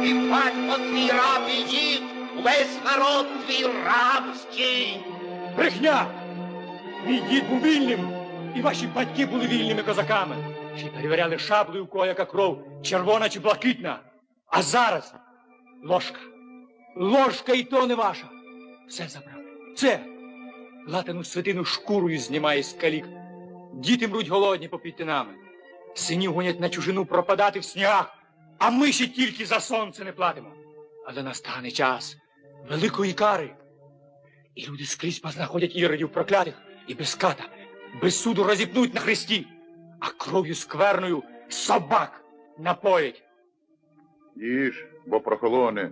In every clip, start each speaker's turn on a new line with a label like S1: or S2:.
S1: і батько твій раб і дід, весь народ твій рабський.
S2: Брехня! Мій дід був вільним, і ваші батьки були вільними козаками. Ще й перевіряли шаблею, у кого яка кров, червона чи блакитна. А зараз ложка. Ложка і то не ваша. Все забрали. Це латану свитину шкурою знімає з калік. Діти мруть голодні попід тинами. Синів гонять на чужину пропадати в снігах, а ми ще тільки за сонце не платимо. Але настане час великої кари. І люди скрізь познаходять іродів проклятих і без ката, без суду розіпнуть на хресті, а кров'ю скверною собак напоять.
S3: Їж, бо прохолоне.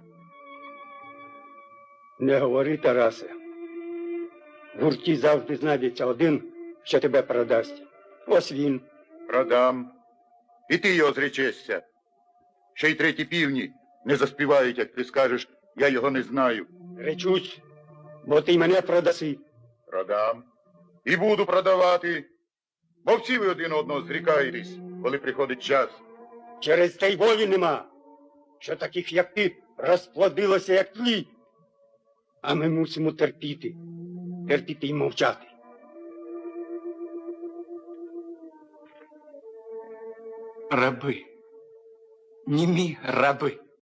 S4: Не говори, Тарасе. В гурті завжди знайдеться один, що тебе продасть. Ось він.
S3: Продам. І ти його зречешся. Ще й треті півні не заспівають, як ти скажеш, я його не знаю.
S4: Речусь, бо ти мене продаси.
S3: Продам. І буду продавати. Бо всі ви один одного зрікаєтесь, коли приходить час.
S4: Через те й волі нема, що таких, як ти, розплодилося, як тлі. А ми мусимо терпіти. Терпіти й мовчати.
S2: Раби. Німі раби.